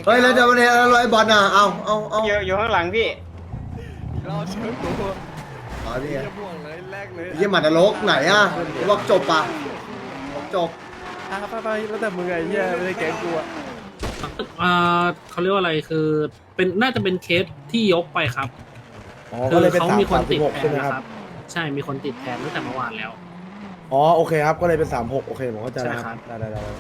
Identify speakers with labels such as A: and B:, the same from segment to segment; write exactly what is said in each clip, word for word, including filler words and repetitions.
A: เฮ้ยแล้วจะมาเนี่ยร้อยบอลอ่ะเอาเอาเอา
B: อยู่อยู่ข้างหลังพี่
C: รอเชิญกู
A: อ๋อนี่ไง
C: จะม่วงเลยแรกเลย
A: ยี่หมัดนรกไหนอ่ะบอกจบปะบอกจบ
C: อ่ะไปไปแล้วแต่มึงไงเหี้ยไม่ได้แกงกูอ่ะ
D: อ่าเขาเรียกว่าอะไรคือเป็นน่าจะเป็นเคสที่ยกไปครับ
E: อ๋อ
D: คื
E: ก็เลยเป็น
D: เขา
E: สาม
D: มีคน
E: สามสิ
D: ติด
E: บหก
D: แท
E: ใช่
D: น
E: ไหม
D: นะ
E: ค
D: ค
E: รั
D: รับ บ ใช่มีคนติดแทนตั้งแต่เมื่อวานแล้ว
E: อ๋อโอเคครับก็เลยเป็นสามหกโอเคผมเข้าใจแล้ว
D: ใช่
E: ค
D: ครั
E: รับบ ได้ได้ได้ได้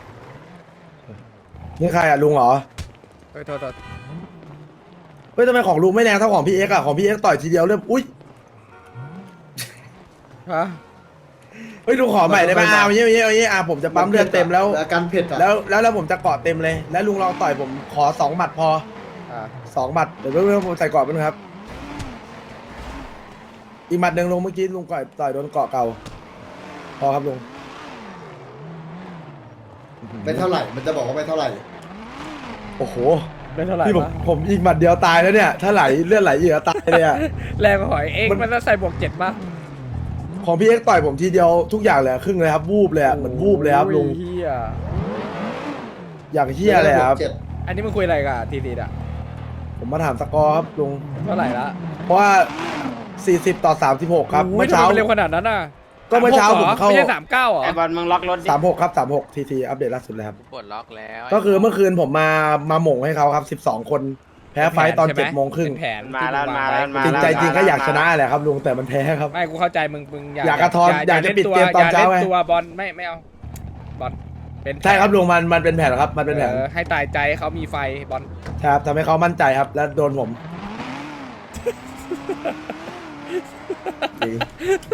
E: นี่ใครอ่ะลุงเหรอ
C: เฮ้ยโทษโทษ
E: เฮ้ยทำไมของลุงไม่แรงเท่าของพี่เอ็กซ์อ่ะของพี่เอ็กซ์ต่อยทีเดียวเริ่มอุ้ย
C: ฮะ
E: เฮ้ยลุงขอใหม่ได้ไหมอ่าอย่างเงี้ยอย่างเงี้ยอย่างเงี้ยอ่าผมจะปั๊มเลือดเต็มแล้ว
A: อาการเผ็ดอ่ะ
E: แล้วแล้วแล้วผมจะเกาะเต็มเลย แล้วลุงลองต่อยผมขอสองหมัดพอ
C: อ่ะ
E: สองหมัดเดี๋ยวเพื่อนผมใส่เกาะไปนะครับ อีกหมัดหนึ่งลุงเมื่อกี้ลุงก่อยต่อยโดนเกาะเก่าพอครับลุง
A: ไม่เท่าไหร่มันจะบอกว่าไม่เท่าไหร่
E: โอ้โห
C: ได้เท่าไหร่
E: พี่ผม
C: วะ
E: ผมอีกหมัดเดียวตายแล้วเนี่ย ถ้าไหลเลือดไหลเยอะตายเลยอ่ะ
C: แรงกว่าหอยเอง
E: มัน
C: มันต้องใส่บวกเจ็ดป่ะ
E: ของพี่เอ็กซ์ต่อยผมทีเดียวทุกอย่างเลยอะครึ่งเลยครับวูบเลยอะเหมือนวูบเลยครับลุง
C: โอ้ยเฮีย
E: อย่างเฮี้ยเลยครับ
A: เจ็ด
C: อันนี้มึงคุยอะไรกับทีทีอ่ะ
E: ผมมาถามสกอร์ครับลุง
C: เท่าไหร่ละ
E: เพราะว่าสี่สิบต่อสามสิบหกครับ
C: โอ้ย
E: เมื่อเช้า
C: ทำไมนเร็วขนาดนั้นน่ะ
E: ก็เมื่อเช้า
C: สห
E: ผ
C: ก
E: ม
C: หรอ
E: เข้า
C: ไม่ใช่สามเก้าเหรอ
B: ไอบอลมึงล็อกรถดิ
E: สามหกครับสามหกทีทีอัปเดตล่าสุดเลยครับ
F: ปลดล็อกแล้ว
E: ก็คือเมื่อคืนผมมามาหม่งให้เขาครับสิบสองคน แพ้ไฟต์ตอนเจ็ดโมงครึ่ง
C: เป็นแผน
B: มาแล้ว
C: ที่ง
B: มาแล้ว
C: ง
B: มา
E: จริง
B: แล้ว
E: ใจจริงก็อยากชนะแหละครับลุงแต่มันแพ้ครับ
C: ไม่กูเข้าใจมึงมึงอย่า
E: อยากกระท้อนอยากจะ
C: ล่
E: ปิดเกมตอนเช้า
C: อย่
E: ไง
C: เล่นตัวบอลไม่ไม่เอาบอลเป็นแผน
E: ใช่ครับลุงมันมันเป็นแผนครับมันเป็นแผน
C: ออให้ตายใจให้เขามีไฟบอล
E: ใช่ครับทำให้เขามั่นใจครับ แล้วโดนผม
A: จริง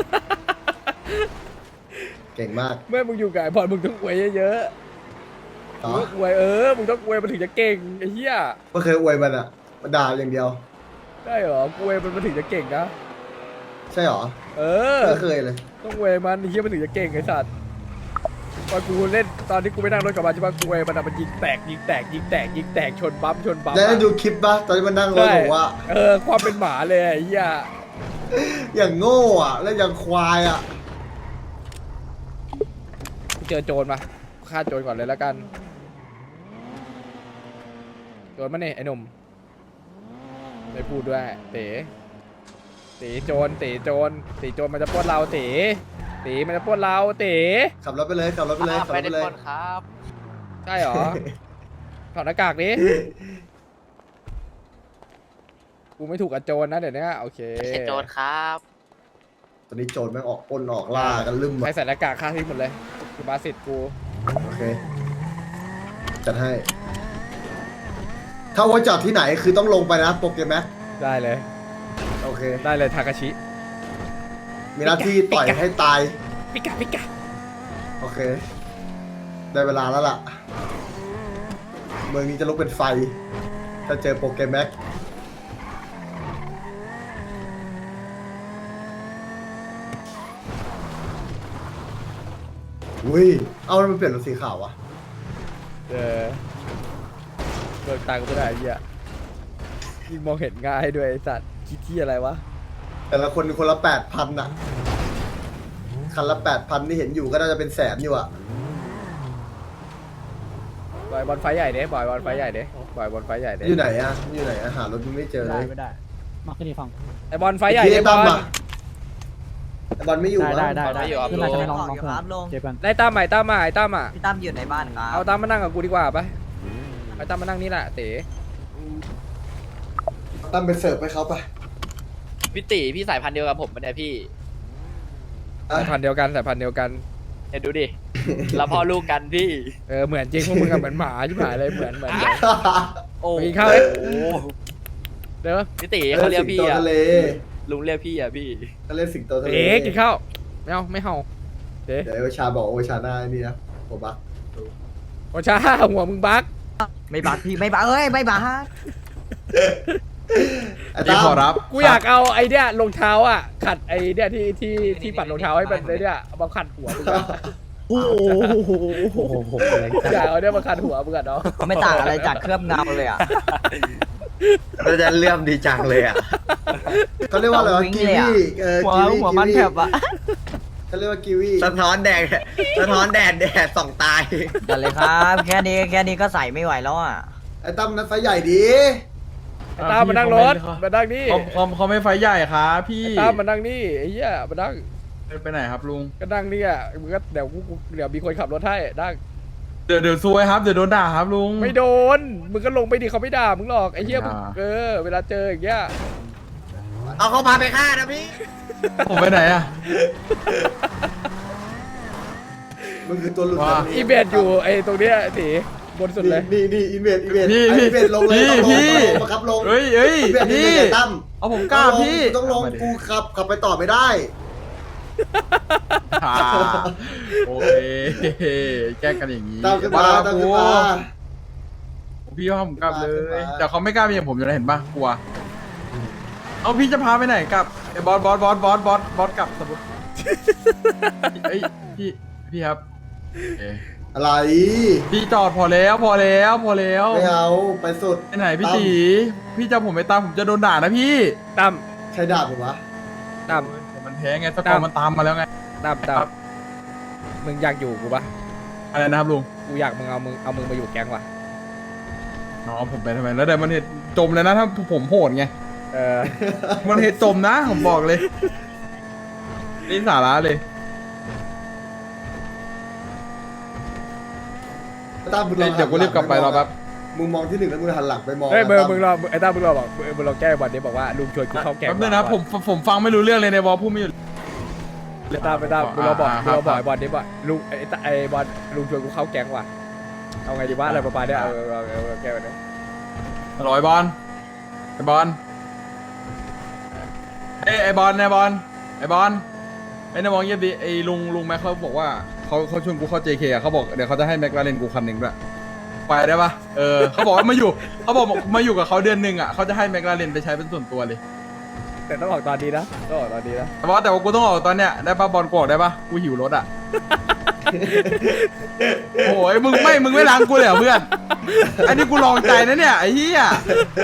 A: เก่งมาก
C: เมื่อมึงอยู่กับไอ้บอลมึงต้องอวยเยอะๆ
A: ต่อ
C: มึงต้องอวยเออมึงต้องอวยมันถึงจะเก่งไอ้เหี้ย
A: ไม่เคยอวยมันอ่ะมันด่าอย่างเดียว
C: ได้เหรออวยมันมันถึงจะเก่งนะ
A: ใช่หรอ
C: เออ
A: ไม่เคยเลย
C: ต้องอวยมันไอ้เหี้ยมันถึงจะเก่งไอ้สัตว์ตอนกูเล่นตอนที่กูไปนั่งรถกลับมาใช่ปะกูอวยมันอะมันยิงแตกยิงแตกยิงแตกยิงแตกชนบัมชนบัม
A: แล้วได้
C: อะ
A: ดูคลิปปะตอนที่มันนั่งรถ
C: ใช่
A: บอกว่า
C: เออความเป็นหมาเลยไอ้เหี้ย
A: อย่างโง่อ่ะ แล้วอย่างควายอ่ะ
C: กูเจอโจรมาฆ่าโจรก่อนเลยแล้วกันโจรมาเนี่ยไอ้หนุ่มไม่พูดด้วยเต๋เต๋โจรเต๋โจรเต๋โจรมันจะปล้นเราเต๋เต๋มันจะปล้นเราเต๋
A: ขับรถไปเลยขับรถไปเลยขับร
F: ไม่
A: ถ
F: ได้
A: ไปเลย
F: ปลดครับ
C: ใช่เหรอ ถอดหน้ากากดิกูไม่ถูกกับโจรนะเดี๋ยวนี้โอเค
F: ไม่ใช่โจรครับ
A: ตอนนี้โจรแม่งออกปล้นออกล่ากันลืม
C: ใคร
A: อ่ะ
C: ใส่หน้ากากฆ่าทิ้งหมดเลยคือบาสิตกู
A: โอเค จัดให้ ถ้าว่าจอดที่ไหนคือต้องลงไปนะโปรแกรมแม็ก
C: ได้เลย
A: โอเค
C: ได้เลยทากาชิ
A: มีหน้าที่ต่อยให้ตาย
C: ปิกาปิกา
A: โอเค ได้เวลาแล้วล่ะ เมืองนี้จะลุกเป็นไฟ ถ้าเจอโปรแกรมแม็กอุ้ย เอาแล้วมันเปลี่ยนเป็นสีขาววะ
C: เออเบิกตังค์ไม่ได้ไอ้เหี้ยยิ่งมองเห็นง่ายด้วยไอ้สัตว์คิดที่อะไรวะ
A: แต่ละคนคนละแปดพันอะคันละแปดพันที่เห็นอยู่ก็น่าจะเป็นแสนอยู่อะ
C: บอยบอลไฟใหญ่เด้บอยบอลไฟใหญ่เด้บอยบอลไฟใหญ่เด้
A: อยู่ไหนอะอยู่ไหนอะหารถมันไม่เจอเลย
G: ไม่ได้มาขึ้นอีกฝั่ง
C: ไอบอลไฟใหญ่
A: พี่
C: เด้
A: ตั้
C: บ
A: ม
C: อล
A: อะไอ้บอลไม่อยู่
G: ได้
A: มั้ง
G: ได้ได้
F: ไม่อยู่ครับ
G: ขึ้นมาจะไม่ลอง
H: ลุง
G: ลองเพื่อน
H: ครับลุง
G: เจ็บกัน
C: ได้ตามใหม่ตามมาไอ้ตามอ่ะ
H: พี่ตั้มอยู่ในบ้านครับ
C: เอาตามมานั่งกับกูดีกว่าไปไอ้ตามมานั่งนี่แหละเต๋
A: ตั้มไปเสิร์ฟให้เขาไป
F: พี่ตีพี่สายพันธุ์เดียวกับผมปะเนี่ยพี่
A: อ่ะ
C: สายพันธุ์เดียวกันสายพันธุ์เดียวกัน
F: เห็นดูดิ เราพ่อลูกกันพี่
C: เออเหมือนจริงพวกมึงกับเหมือนหมาชิบหายเลยเหมือนเหมือนเหมือน
F: โอ้
C: ไปกินข้าวเอ้ย
F: โอ้
C: เดี๋ยว
F: พี่ตีเขาเรียกพี่
A: สิงโต
F: อะ
A: ทะเล
F: ลุงเรียกพี่อะพี่
A: เขาเรียกสิงโตทะเล
C: เต๋กินข้าวไม่เอาไม่เห่าเต๋
A: เดี๋ยวโอชาบอกโอชาหน้าไอ้นี่นะโอบัก
C: โอชาหัวมึงบัก
H: ไม่บักพี่ไม่บักเอ้ยไม่บัก
A: ไอ้ตั้ม
C: กูอยากเอาไอ้เนี่ยรองเท้าอ่ะขัดไอ้เนี่ยที่ที่ที่ปัดรองเท้าให้มันไอ้เนี่ยเอามาขัดหัวมึงอะ
E: โอ้โห
C: อยากเอาเนี่ยมาขัดหัวมึงอะเนาะ
H: ไม่ต่างอะไรจากเคลือบเงาเลยอ่ะ
B: เราจะเลื่อมดีจังเลยอ่ะ
A: เขาเรียกว่าอะไรวะ
H: วิ่ง
A: กี
H: เลยอะ
A: วีเออ
H: หัว
A: กีวี
H: หัวมัน
A: กีวี
H: แถบอ่ะ
A: เขาเรียกว่ากีวี
B: สะท้อนแดดสะท้อนแดดแดดส่องตาย
H: กันเลยครับแค่นี้แค่นี้ก็ใส่ไม่ไหวแล้วอ่ะ
A: ไอ้ตั้มนั้นไฟใหญ่ดี
C: ไอ้ตามมานั่งรถมานั่งนี่
G: เขาเขาเขาไม่ไฟใหญ่ครับพี่
C: ไอ้ตามมานั่งนี่ไอ้เหี้ยมานั่ง
G: ไปไหนครับลุง
C: ก็นั่งนี่อ่ะมึงก็เดี๋ยวกูกูเดี๋ยวมีคนขับรถให้นั่ง
G: เดี๋ยวเดี๋ยวซวยครับเดี๋ยวโดนด่าครับลุง
C: ไม่โดนมึงก็ลงไปดิเขาไม่ด่ามึงหรอกไอ้เหี้ยมึง
G: อ่า
C: เออเวลาเจออย่างเงี้ย
B: เอาเขาพาไปฆ่านะพี่
G: ผมไปไหนอะ
A: มันคือตัวหลุด
G: ว้า
A: จากนี้
C: อีเบดอยู่ไอ้ตรงเนี้ยตีบนสุดเลย
A: นี่นี่อีเมดอีเมด
G: พี่
A: ไอ้
G: พี่
A: อีเมดลงเลย
G: พี่
A: ต้องลง
G: พี่
A: ต้องลงบังคับลง
G: เฮ้ยเฮ้ย
A: อีเมดนี่
G: พี่
A: ไอ้ตั้ม
G: เอาผมกล้าพี่
A: ต้องลงกูขับขับไปต่อไม่ได้
G: อ่าโอเคแกล้งกันอย่างนี้
A: ตามขึ้นมาตามขึ้นมา
G: พี่ว่าผมกลับเล
A: ตามขึ้น
G: ย
A: มา
G: แต่เขาไม่กล้ามีอย่างผมอยู่นะเห็นปะกลัว เอาพี่จะพาไปไหนกลับไอ้บอสบอสบอสบอสบอสบอสกลับสมมติเอ้ยพี่พี่ครับเอ้ย
A: อะไร
G: พี่จอดพอแล้วพอแล้วพอแล้ว
A: ไม่เอาไปสุด
G: ไปไหนพี่ตีพี่จะผมไปตามผมจะโดนด่านะพี่
C: ตั้ม
A: ใช้ดาบผมวะ
C: ตั้ม
G: แต่มันแพ้ไงสกอร์มันตามมาแล้วไง
C: ตั้มตั้
G: ครั
C: ม
G: บ
C: มึงอยากอยู่กูปะ
G: อะไรนะครับลุง
C: กูอยากมึงเอามึงเอามึงมาอยู่แก๊งว่ะ
G: อ๋อผมไปทำไมแล้วแต่มันเหตุจมเลยนะถ้าผมโหดไง
C: เออ
G: มันเหตุจมนะผมบอกเลยนี่สาระเลย
A: ตั้มมึงลอง
G: เดี๋ยวกูรีบกลับไปรอแป๊บ
A: มึงมองที่หนึ่งแล้วมึงหันหลังไปมอง
C: เฮ้ยมึง
A: ตั้
C: มึงรอไอ้ตั้มมึงรอบอกมึงมึงรอแก้บอลนี้บอกว่าลุงชวนกูเข้าแก๊ง
G: แป๊บนึงนะผมผมผมฟังไม่รู้เรื่องเลยในวอลพูดไม่หยุด
C: ไอ้ตั้มไอ้ตั้มมึงรอบอก
G: อ่า
C: มึงรอบอก
G: ครับ
C: ไอ้บอลนี้ว่าลุงไอ้ตไอ้บอลลุงชวนกูเข้าแก๊งว่ะเอาไงดีวะอะไรประมาณเนี้ยเออเออเออเออแก้ไปนะ
G: ร้อยบอลไอบอลเอ้ยไอบอลไอบอลไอบอลไอ้นายมองเยี่ยมดิไอ้ลุงลุงแม็กเขาบอกว่าเขาเขาชวนกูเข้า เจ เค อะเขาบอกเดี๋ยวเขาจะให้แม็กลาเรนกูคันหนึ่งด้วยไปได้ปะเออเขาบอกว่ามาอยู่เขาบอกมาอยู่กับเขาเดือนหนึ่งอ่ะเขาจะให้แม็กลาเรนไปใช้เป็นส่วนตัวเลย
C: แต่ต้องออกตอนนี้นะต้องออกตอนนี้นะ
G: แต่ว่าแต่ว่ากูต้องออกตอนเนี้ยได้ปะบอลกูออกได้ปะกูหิวรถอ่ะ โอ้ยมึงไม่มึงไม่ล้างกูเลยเหรอเพื่อนอันนี้กูลองใจนะเนี่ยไอ้เหี้ย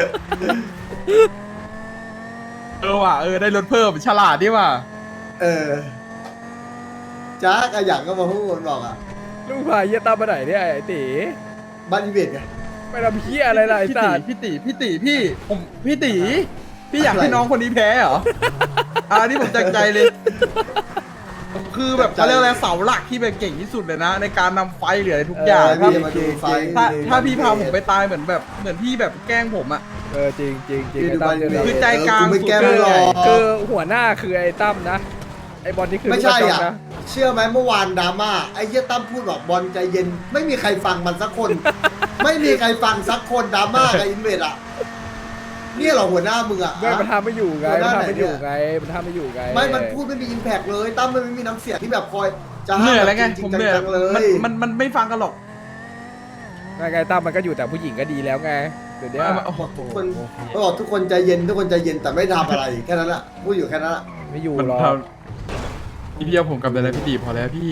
G: เออว่ะเออได้รถเพิ่มฉลาดดิว่ะ
A: เออจ้าอะอย่างก็มาพูดมันบอกอ่ะ
C: ลุงพาเยี่ยตั้มมาไหนเนี่ยไอ้ตี
A: บ้านอีเมดไง
C: ไปทำเหี้ยอะไรล่ะไอ้
G: พี่
C: สั
G: ตี
C: ตว์
G: พี่ตีพี่ตีพี่ผมพี่ตีพี่อยากให้น้องคนนี้แพ้เหรออ่านี่ผมจากใจเลย คือแบบเขาเรียกอะไรเสาหลักที่แบบเก่งที่สุดเลยนะ ในการนำไฟเหลืออะไรทุกอย่าง
A: เออ
G: ถ้า
A: พี่จะมาดูไฟ
G: ถ้าถ้าพี่พาผมไปตายเหมือนแบบเหมือนพี่แบบแกล้งผมอะ
C: เออจริงจริงจริง
A: พี่
C: ไอ้
A: ดู
C: ตั้
A: บ้าม น
C: เจ
A: อี
C: อ
A: เม
C: เรา
A: ด
G: คือใจกลาง
A: เออกูไม่แก้
C: คื
A: ไม่
C: อ
A: หรอก
C: คือหัวหน้าคือไอ้ตั้มนะไอ้บอลนี่คือ
A: ไม่ใช่
C: ลูกกระจ
A: อ่ะ
C: กนะ
A: เชื่อไหมเมื่อวานดราม่าไอ้เหี้ยตั้มพูดบอกบอลใจเย็น ไม่มีใครฟังมันสักคน ไม่มีใครฟังสักคนดราม่ากับอินเวดอ่ะเนี่ยเหรอหัวหน้ามึงอ่ะ
C: ไม่มันทำไม่อยู่ไง
A: หัวห
C: มัน
A: น้า
C: ทำไม่อยู่
A: ไหน
C: ไง
A: เนี่ย
C: มันทำไม่อยู่ไง
A: ไม่มันพูดไม่มีอิมแพกเลยตั้มมันไม่มีน้ำเสียงที่แบบคอยจะ
G: เหนื่อยแล้วไง
A: จริ
G: ผม
A: ง
G: เหนื่อย
A: ๆจังๆเลย
G: มันมันมันไม่ฟังกันหรอก
C: ไงไงตั้มมันก็อยู่แต่ผู้หญิงก็ดีแล้วไงเดี๋ยวนี้
A: บอกทุกคนบอกทุกคนใจเย็นทุกคนใจเย็นแต่ไม่ทำอะไรแค่นั้นแหละพูดอยู่แค่นั้นแหละ
C: ไม่อยู่
G: มัน
C: หรอก
G: ทำพี่พี่เอาผมกลับไปแล้วพี่ตีพอแล้วพี่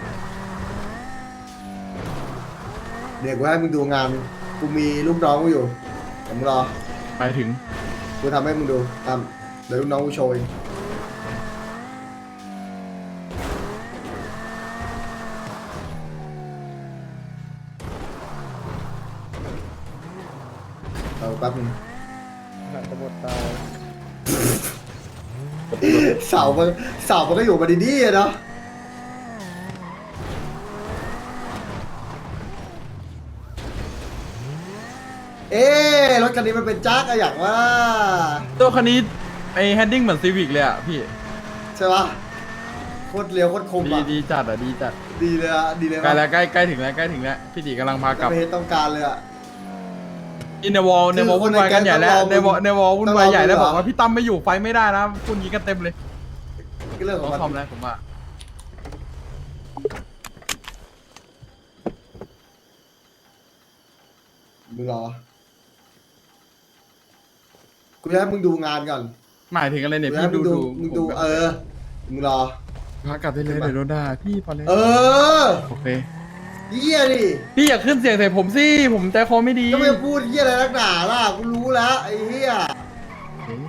A: เดี๋ยวกูให้มึงดูงานกูมีลูกน้องกูอยู่ผมงรอ
G: ไปถึง
A: กูทำให้มึงดูทำเดี๋ยวลูกน้องกูโชว์เองเอาแป๊บนึง
C: หนังตะบดตาย
A: เสามันเสามันก็อยู่มาดีๆอะเนาะเอ๊ะรถคันนี้มันเป็นจักรอะอย่างว่า
G: ตัวคันนี้ไอ้แฮนดิ้งเหมือนซีวิกเลยอ่ะพี่
A: ใช่ปะโคตรเร็วโคตรคม
G: ดี
A: อะ
G: ดีจัดอ่ะดีจัด
A: ดีเลยอะดีเลย
G: ใกล้
A: ปะ
G: แล้วใกล้ใกล้ถึงแล้วใกล้ถึงแล้วพี่ตีกำลังพากลับ
A: ไม่เห็นต้องการเลยอะ
G: อินในวอลในวอล
A: คือคน
G: วุ่นวายกันใหญ่แล้ว
A: ในแก๊ง
G: ในวอลในวอลวุ่นวายใหญ่แล้ว
A: ต้องรอ
G: บอกว่าพี่ตั้มไม่อยู่ไฟไม่ได้นะคุณยิงกันเต็มเลย
A: ก็เรื่องข
G: ต้
A: อ
G: อง ง
A: มัน
G: ทำแล้วผมว่า
A: มึงรอกูจะให้มึงดูงานก่อน
G: หมายถึงอะไรเนี่ย
A: กูจะให้
G: พี่
A: มึ
G: ดู
A: งดู
G: ดู
A: มึงดู
G: ผมแบบ
A: เออมึงรอ
G: พากลับได้เลยเดี๋ยวโดนด่าพี่พอเลย
A: เออ
G: โอเค
A: เยี่ยดิ
G: พี่อย่าขึ้นเสียงใส่ผมสิผมใจคอไม่ดี
A: ก็ไม่พูดเยี่ยอะไรนักหนาล่ะกูรู้แล้วไอ้เหี้ย
G: เอ๊ะ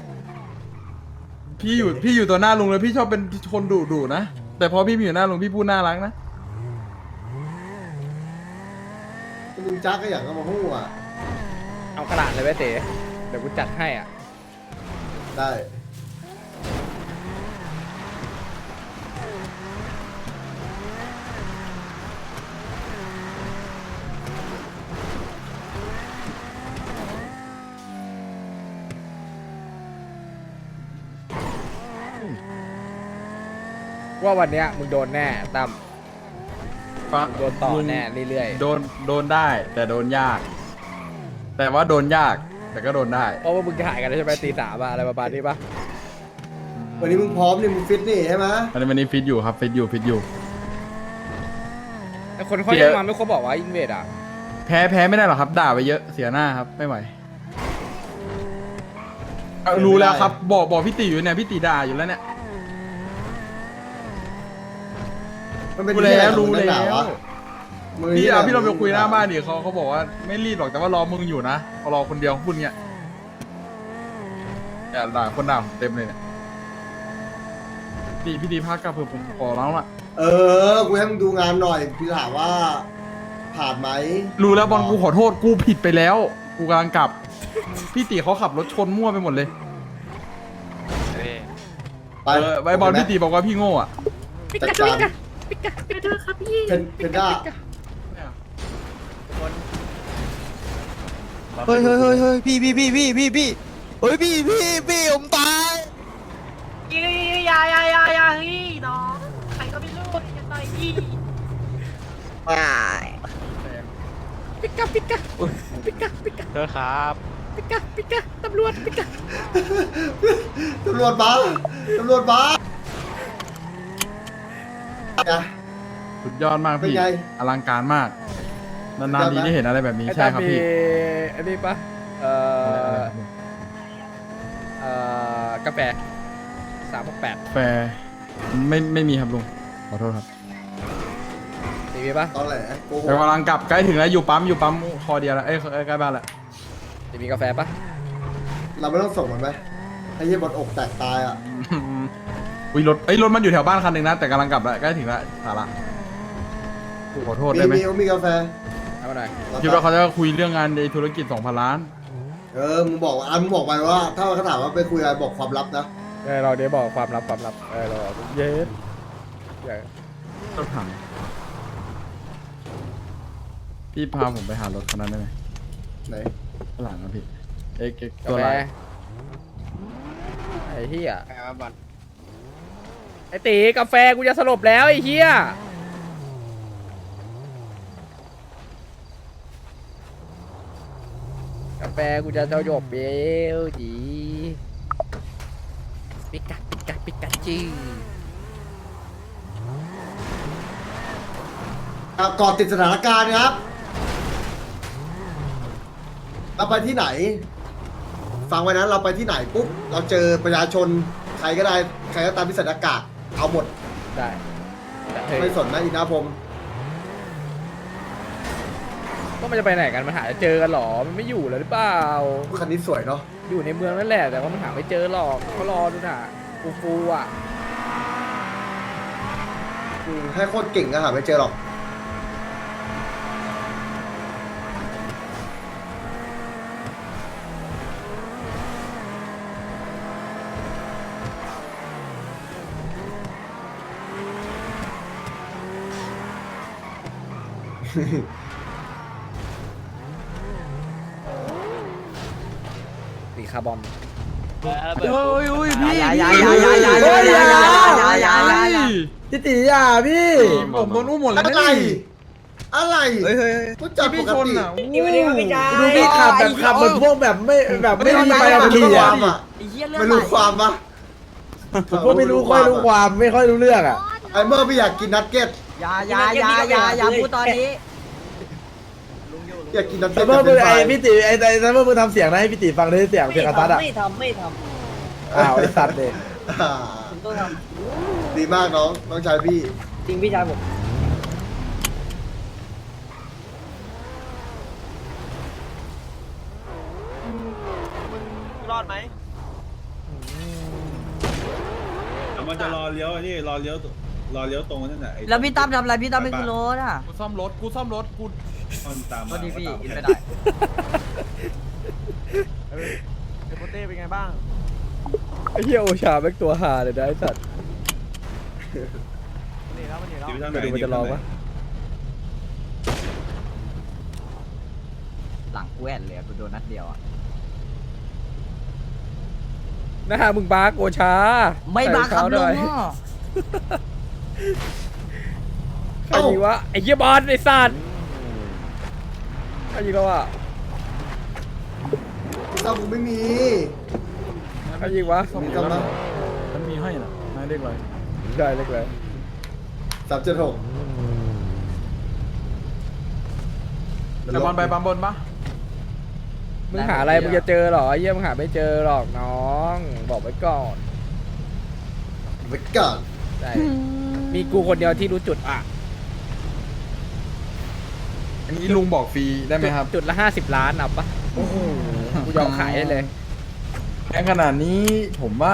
G: พี่อยู่พี่อยู่ตัวหน้าลุงเลยพี่ชอบเป็นคนดุดุนะแต่พอพี่มีอยู่หน้าลุงพี่พูดน่ารักนะ
A: มึงจักก็อย่างก็มาพูดอ่ะ
C: ระดาษเลยไว้เต๋เดี๋ยวกูจัดให้อ่ะ
A: ได้
C: ว่าวันเนี้ยมึงโดนแน่ตั้ม
G: ฟัง
C: โดนต่อแน่เรื่อย
G: โดนโดนได้ แต่โดนยาก แต่ว่าโดนยาก แต่ก็โดนได้
C: ๆเพราะว่ามึงถ่ายกันแล้วใช่ไหมตีสามอะอะไรประมาณนี้ปะ
A: วันนี้มึงพร้อมนี่มึงฟิตนี่ใช่ไหม
G: อันนี้วันนี้ฟิตอยู่ครับฟิตอยู่ฟิตอยู่
C: แต่คนเขา
G: เดี๋
C: ยั
G: ยว
C: งมาไม่ครบบอกว่าอินเวดอ่ะ
G: แพ้แพ้ไม่ได้หรอกครับ ด่าไปเยอะเสียหน้าครับไม่ไหวเอารู้แล้วครับ บอกบอกพี่ตีอยู่เนี่ยพี่ตีด่าอยู่แล้วเนี่ย
A: มันเป็น
G: รู้แล้วรู้
A: ที่ไหน
G: แล้
A: ของมึงนักหนาว ะมึง
G: พี่
A: ที่ไหน
G: เอาพี่เราไปคุยหน้า
A: ของมึง
G: บ้านดิเขาเขาบอกว่าไม่รีบหรอกแต่ว่ารอมึงอยู่นะเขารอคนเดียวพูดเงี้ยอย่าด่าคนด่าผมเต็มเลยเนี่ยพี่พี่ตีพักกับเพื่อผมขอร้องละ
A: เออ กูให้มึงดูงานหน่อยพี่ถามว่า ผ่านไหม
G: รู้แล้วบอลกูขอโทษกูผิดไปแล้ว กูกำลังกลับ พี่ตีเขาขับรถชนมั่วไปหมดเลย
A: ไป
G: เออไอบอลพี่ตีบอกว่าพี่โง่อะ
A: จัดการเพนเพนด้า
H: เฮ้ยเฮ้ยเฮ้ยเฮ้ยพี่พี่พี่พี่พี่พี่เฮ้ยพี่พี่พี่ผมตาย
I: อย่าอย่าอย่าอย่าเฮ้ยน้องใครก็ไม่รู้อย่าต่อยพี่
C: ปิกาปิกาปิกาปิกา
F: เธอครับ
C: ปิกาปิกาตำรวจปิกา
A: ตำรวจมาตำรวจมาอ่ะ
G: สุดยอดมาก
A: เป็น
G: พี่
A: ไง
G: อลังการมาก นานๆที
A: ยอดไหม
G: ได้เห็นอะไรแบบนี้
C: ไอ้
G: ใช่
C: ตั้ม
G: ครับ
C: มี
G: พี่
C: อันนี้ปะเอ่อเอ่อกาแฟสามหกแปด
G: แฟร์ไม่ไม่มีครับลุงขอโทษครับ
C: ตีมีปะ
A: ตอนแหลโกห
G: แต่
A: ก
G: กำลังกลับใกล้ถึงแล้วอยู่ปั๊มอยู่ปั๊มคอเดียวแล้วเอ้ยใกล้บ้านแล้ว
C: ตีมีกาแฟปะ
A: เราไม่ต้องส่งมันไหมไอ้เหี้ยบอลอกแตกตายอ่ะ
G: อุ้ยรถเอ้ยรถมันอยู่แถวบ้านคันหนึ่งนะแต่กำลังกลับแล้วใกล้ถึงแล้วสาระขอโทษ
A: มี
G: ได้ไหม
A: มีมีกาแฟ
C: เอามาหน่อย
G: คิดว่าเขาจะคุยเรื่องงานในธุรกิจสองพันล้าน
A: เออ มึงบอกว่าอ่ะมึงบอกไปว่า ถ้าเขาถามว่าไปคุยอะไรบอกความลับนะ
C: เออเราเดี๋ยวบอกความลับความลับเออเราบอกเย็ดเดี๋ยว
G: รถถังพี่พาผมไปหารถคันนั้นได้ไหม
A: ไหน
G: ข้างหลังนะพี่เอ็กเอ็ก
C: กา
G: ตัว
C: แฟ
G: อะไร
C: ไอ้เหี้ยไอ้ตีกาแฟกูจะสลบแล้วไอ้เหี้ยกาแฟกูจะจะหยบเบลจีปิกาปิกาปิกาจื้อ
A: อ่ะก่อนติดสถานการณ์ครับ เราไปที่ไหน ฟังไว้นะเราไปที่ไหนปุ๊บ เราเจอประชาชน ใครก็ได้ ใครก็ตามที่ใส่หน้ากากเอาหมด
C: ได้แต่เฮ้
A: ไม่
C: ย
A: สนนะอินาพงศ์
C: ก็มันจะไปไหนกันมันหาจะเจอกันหรอมันไม่อยู่แล้วหรือเปล่า
A: คันนี้สวยเนาะ
C: อยู่ในเมืองนั่นแหละแต่ว่ามันหาไม่เจอหรอกก็รอดูน่ะฟูฟูอ่ะ
A: อืมให้โคตรเก่งก็หาไม่เจอหรอก
C: สีคาร์บอน
F: เปิด
G: เฮ้ยเฮ้ยพี่
H: อย่าอย่าอย่าอย่าอย่าอย่าอย่าอย่าอย่าอย่าอย่า
E: พี่ตีอ่ะพี่
G: ผมโดนอุ้มหมดแล้ว
A: อะ
G: นะ
A: ไร
G: นี่
A: อะไร
H: เฮ้ยเฮ้ย
A: กูจับป
G: พี่
A: ก
G: ชน
A: ติ
G: อ่ะ
E: ดูพี่ขับแบบขับเหมือนพวกแบบไม่แบบไม่มีใบขับ
A: ไม่
E: ขี่
A: รู้ค
E: อ่ะ
A: วามอ่ะ
H: ไอ้เหี้ยเลือด
A: ไม่รู้ความปะ
E: ผมก็ไม่รู้ค่อยรู้ความไม่ค่อยรู้เรื่องอ่ะ
A: ไอ้เมื่อพี่อยากกินนัทเก็ต
H: อย่าอย่าอย่าอย่าอย่าพูดตอนนี้
A: อยากกินนัท
E: แต่
A: เก็ต
E: เมื่อ
A: เป็
E: มึ
A: น
E: ง
A: ไฟ
E: ไอ้พี่ตีไอ้แต่เมื่อมึงทำเสียงนะให้พี่ตีฟังได้เสียงเสียงกระตัดอ่ะ
I: ไม่ทำไม่ท
E: อ้าวไอ้สัตว์เนี่ย
A: อ่า
I: ำผมต้องท
A: ดีมากน้องน้องชายพี่
I: ำจริงพี่ชายผม
F: รอดไหม
J: มันจะรอเลี้ยวนี่รอเลี้ยวรอเลี้ยวตรงนั่นแหละไอ้
H: แล้วพี่ตั้มทำอะไรพี่ตั้มไม่คือรถอ่ะ
G: กูซ่อมรถกูซ่อมรถกู
J: ตอนตาม
H: โท
J: มา
H: ษทีพี่
J: ตาม
H: กินไม่ได้
C: ไอ้เหี้ยโอชาแม่งตัวหาเลยนะไอ้สัตว์
J: ดิวทางไหน
C: ไปดูมันจะลองปะ
H: หลังกูแอนเลยกูโดนนัดเดียวอ่ะ
C: หน้ามึงบาร์กโอชา
H: ไม่บังคับ
C: ใส่
H: ลุ
C: รอง
H: อ่ะ
C: เท้าหน่อยใครยิงวะไอ้เหี้ยบอลไอ้สัตว์ใครยิงเราอ่ะ
A: พี่ต้อมกูไม่มี
C: ใครยิงวะ
A: มีต้อมนะ
G: มันมีให้นะนายเรียกอะไร
C: ได้เล็กเลย
A: สามเจ็ดหก
G: แต่บอลไปปั๊มบนปะ
C: มึงหาอะไรมึงจะเจอหรอไอ้เหี้ยมึงหาไม่เจอหรอกน้องบอกไว้ก่อน
A: ไปก่อน
C: ใช่มีกูคนเดียวที่รู้จุดอ่ะ
G: อันนี้ลุงบอกฟรีได้ไหมครับ
C: จุดละห้าสิบล้านเอาปะโอ้โหกูยอมขายได้เลย
G: แพงขนาดนี้ผมว่า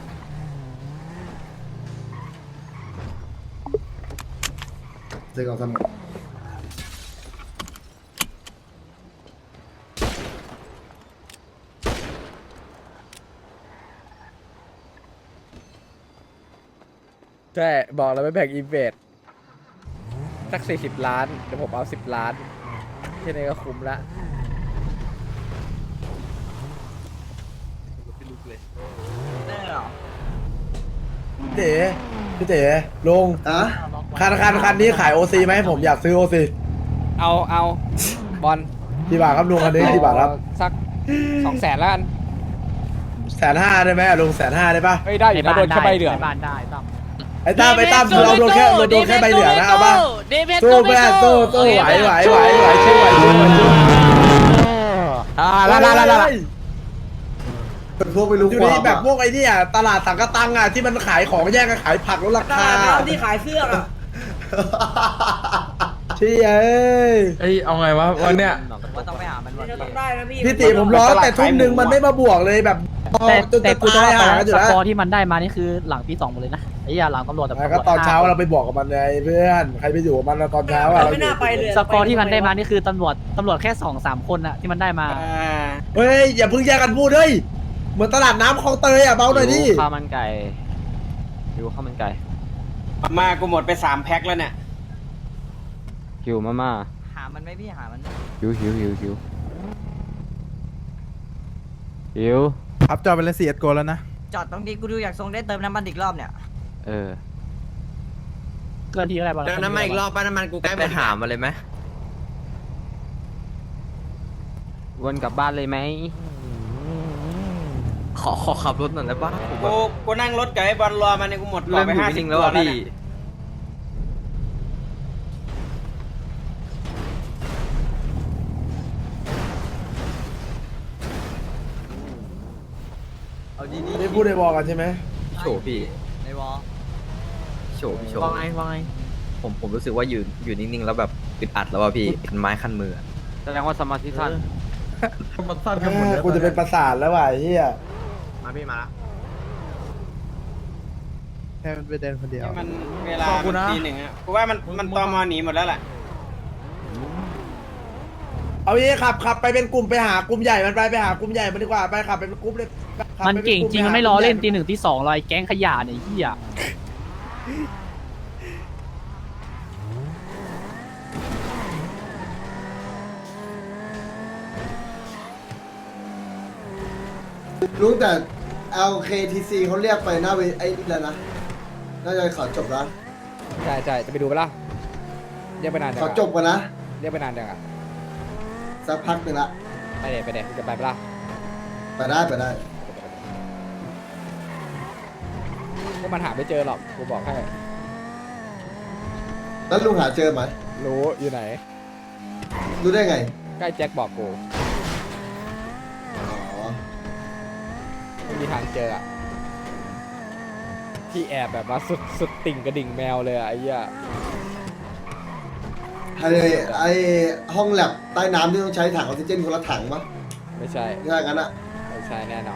A: ซื้อของสมุด
C: ใช่บอกแล้วไม่แบ่งอีเวทสักสี่สิบล้านเดี๋ยวผมเอาสิบล้านแค่นี้ก็คุ้มละ
E: พี่เต๋พี่เต๋ลง
A: อ่ะ
E: คันคันคันนี้ขายโอซีไหมผมอยากซื้อโอซี
C: เอาเอาบอล
E: กี่บาทครับลุงคันนี้กี่บาทครับ
C: สักสองแสนแล้วกัน
E: แสนห้าได้ไหมลุงแสนห้าได้ปะ
C: เฮ้ยได้อยู่นะโดนแค่ใบเหลือง
H: บ้านได้ต้อง
E: ไอ้ตั้มไอ้ตั้มเราโดนแค่เราโดนแค่ใบเหลืองนะเอาปะ
I: เดเพชร
E: สู้เพื่อนสู้สู้ไหวไหวไหวไหวชิวไหวชิวไหวชิว
H: อ่าละละละละ
A: เป็นพวกไม่รู้
E: อยู่
A: ควา
E: นี่
A: ม
E: แบบพวกไอ้นี่อ่ะตลาดสังกะตังอ่ะที่มันขายของแย่งกันขายผักลดราคาที่ขายเสื้ออ่ะเชี่ยเอ้ย
G: เอ้ยเอาไงวะวันเนี้ย
H: ว่าต้องไปหามันวันนี้
E: พี่ติผมร้อนแต่ทุ่มหนึ่งมันไม่มาบวกเลยแบบจนแต่กูจะให้หาอยู่
H: ส
E: แล้ว
H: กอร์ที่มันได้มานี่คือหลังปีสองหมดเลยนะไอ้ยาหลังตำรวจแต่
E: ก็ตอนเช้าเราไปบอกกับมันไงเพื่อนใครไปอยู่กับมันตอนเช้าอ่ะเราอยู่
H: สกอร์ที่มันได้มานี่คือตำรวจตำรวจแค่สองสามคนอะที่มันได้มา
E: เฮ้ยอย่าเพิ่งแยกกันพูดเฮ้ยเหมือนตลาดน้ำคลองเตยอ่ะเบาหน่อยดิ
H: ข้าวมันไก่หิวข้าวมันไก่
F: มากูหมดไปสามแพ็คแล้วเนี่ย
H: หิวมาม่าหามันไหมพี่หามันหิวหิวหิวหิวหิว
J: ครับจอเป็นเลสีเอ็ดโกแล้วนะ
H: จอดตรงนี้กูดูอยากทรงได้เติมน้ำมันอีกรอบเนี่ยเออเกินทีอะไรบ้าง
B: เดี๋ยวน้ำมันอีกรอบป้าน้ำมันกูใกล้ไปหามาเลยไหม
H: วนกลับบ้านเลยไหมขอขอขับรถหน่อยได้ปะ
F: กูกูนั่งรถกับไอ้บอลรอมาเนี่ยกูหมดรอ
B: เริ่ม
F: ไป
B: อยู่
F: ห้าสิ
B: นิ่
F: บ
B: งๆ
F: ตั
B: แล้ว ว
F: แล้
B: อ่ะ
F: ว
B: พี่
F: เนี่ย
B: เอาดี
E: ไม่พูดในบอกกันใช่ไหม
B: ๆโฉพี่
H: ในวอล
B: โฉพี่โฉ
H: ว่าไงว่าไง
B: ผมผมรู้สึกว่าอยู่อยู่นิ่งๆแล้วแบบอึดอัดแล้วว่ะพี่คันไม้คันมืออะ
H: แสดงว่าสมาธิสั้น
G: มันสั้นกันหมดเลย
E: กูจะเป็นประสาทแล้วว่ะไอ้เฮีย
B: มาพี่มาละ
J: แค่มันไปเดินคนเดียว
F: มันเวลามันตีหนึ่งอะกูว่ามันมันตอมอหนีหมดแล้วแหละ
E: เอางี้ขับขับไปเป็นกลุ่มไปหากลุ่มใหญ่มันไปไปหากลุ่มใหญ่มันดีกว่าไปขับไปเป็นกลุ่มเลยขับ
H: มัน
E: ไปป็
H: เก่ง
E: ลุ่
H: จริงมันไม่ล้อเล่นตีหนึ่งตีสองลอยแก๊งขยะเนี่ยเฮีย
A: ลุงแต่ แอล เค ที ซี เขาเรียกไปหน้าเวไอ้นี่แล้วนะน่าจะขอจบแล้ว
C: ใช่ใช่จะไปดูปะล่ะเรียกไปนานจัง
A: ขอ
C: อะ
A: จบกันนะ
C: เรียกไปนานจังอะ
A: สักพักหนึ่งละ
C: ไปเด็ไปเด็จะไปปะล่ะ
A: ไปได้ไปได้
C: ก็มันหาไม่เจอหรอกกูบอกให้
A: แล้วลุงหาเจอไหม
C: รู้อยู่ไหน
A: รู้ได้ไง
C: ใกล้แจ็คบอกกู
A: อ๋อ
C: ไม่มีทางเจออะที่แอบแบบว่าสุดสุดติ่งกระดิ่งแมวเลยอะไอ้เหี้ย
A: ไอไอห้องแลบใต้น้ำที่ต้องใช้ถังออกซิเจนคนละถังปะ
C: ไม่ใช่
A: ถ้างั้นอะ
C: ไม่ใช่แน่นอน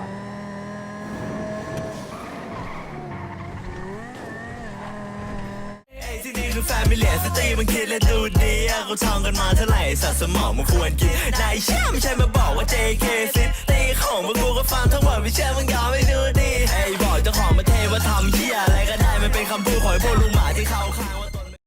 K: ที่นี่คือแฟมิเลียสตรีมันคิดและดูดีอะเขาท่องกันมาเท่าไหร่สัตว์สมองมันควรกินนายเชื่อไม่ใช่มาบอกว่า เจ เค ซิตีของพวกกูก็ฟังทั้งหมดไม่เชื่อมึงยอมไม่ดูดีไอ้บคำพูดของไอ้พวกลุงหมาที่เขาข้าง